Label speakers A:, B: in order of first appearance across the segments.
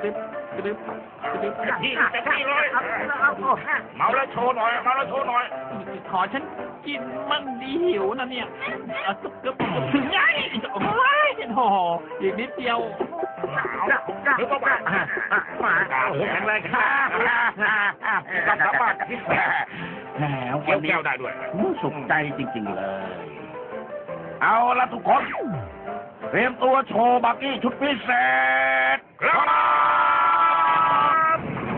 A: ที่เลยเมาแล้วโชว์หน่อยเมาแล้วโชว์หน่อย
B: ขอฉันกินมั่งดีหิวนะเนี่ยถึงไงโอ้ยโอ้อีกนิดเดียว
A: หรือเปล่ามาแข็งแรงครับกับกลับบ้าน
C: แหม
A: วันนี้ได้ด้วย
C: สุขใจจริงๆเลยเอาละทุกคนเตรียมตัวโชว์บักกี้ชุดพิเศษครับ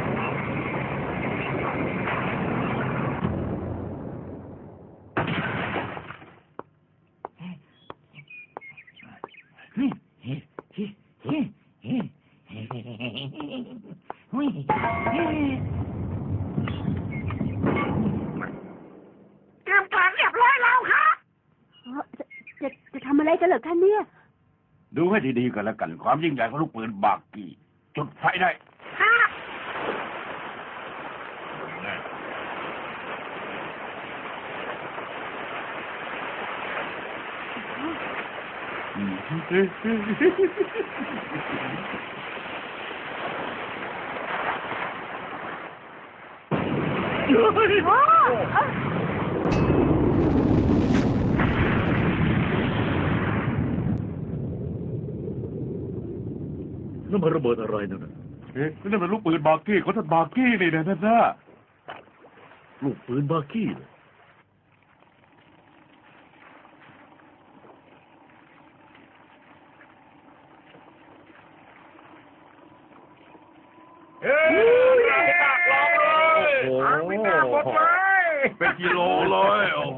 A: เตรียมการเรียบร้อยแล้วครับ
D: จะทำอะไรกันเหรอคะเนี่ย
C: ดูให้ดีๆกันแล้วกันความยิ่งใหญ่ของลูกปืนบักกี้จุดไฟได้
E: นั่นมันระเบิดอะไรนั่นน่ะ
C: นั่นเป็นลูกปืนบักกี้เขาท่านบักกี้นี่นะนั่นนะ
E: ลูกปืนบากี้เลย
C: เป็นกิโลเลยโอ้โห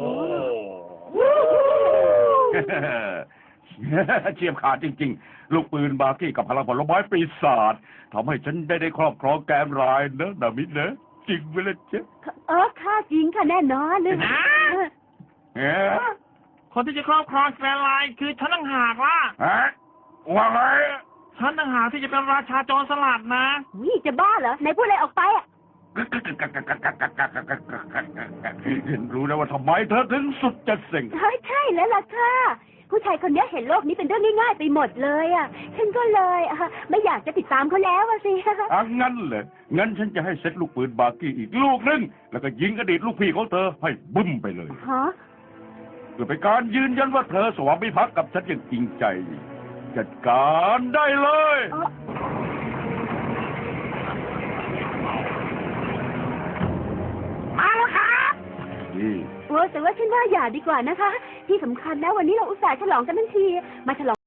C: เฉียบขาดจริงๆลูกปืนบากี้กับพลังผลไม้ปีศาจทำให้ฉันได้ครอบครองแกนรายนะนามินะจริงไหมล่ะเจ๊
D: ค่ะจริงค่ะแน่นอนเลย
B: คนที่จะครอบครองแกรนไลน์คือฉันต่างหากล่ะ
C: ว่าไง
B: ฉันต่างหากที่จะเป็นราชาโจรสลัดนะ
D: วิจะบ้าเหรอไหนพูดอะไรออกไปอ่ะ
C: เห็นรู้นะว่าทำไมเธอถึงสุดจะเส็ง
D: ใช่แล้วล่ะค่ะผู้ชายคนนี้เห็นโลกนี้เป็นเรื่องง่ายๆไปหมดเลยอ่ะฉันก็เลยไม่อยากจะติดตามเขาแล้วสิ
C: งั้นเลยงั้นฉันจะให้เซตลูกปืนบากี้อีกลูกนึงแล้วก็ยิงอดีตลูกพี่ของเธอให้บึ้มไปเลยเพื่อเป็นการยืนยันว่าเธอสวามิภักดิ์กับฉันอย่างจริงใจจัดการได้เลย
A: มาแล้วครับ
D: แต่ว่าฉันว่าอย่าดีกว่านะคะที่สำคัญนะวันนี้เราอุตส่าห์ฉลองกันทั้งทีมาฉลอง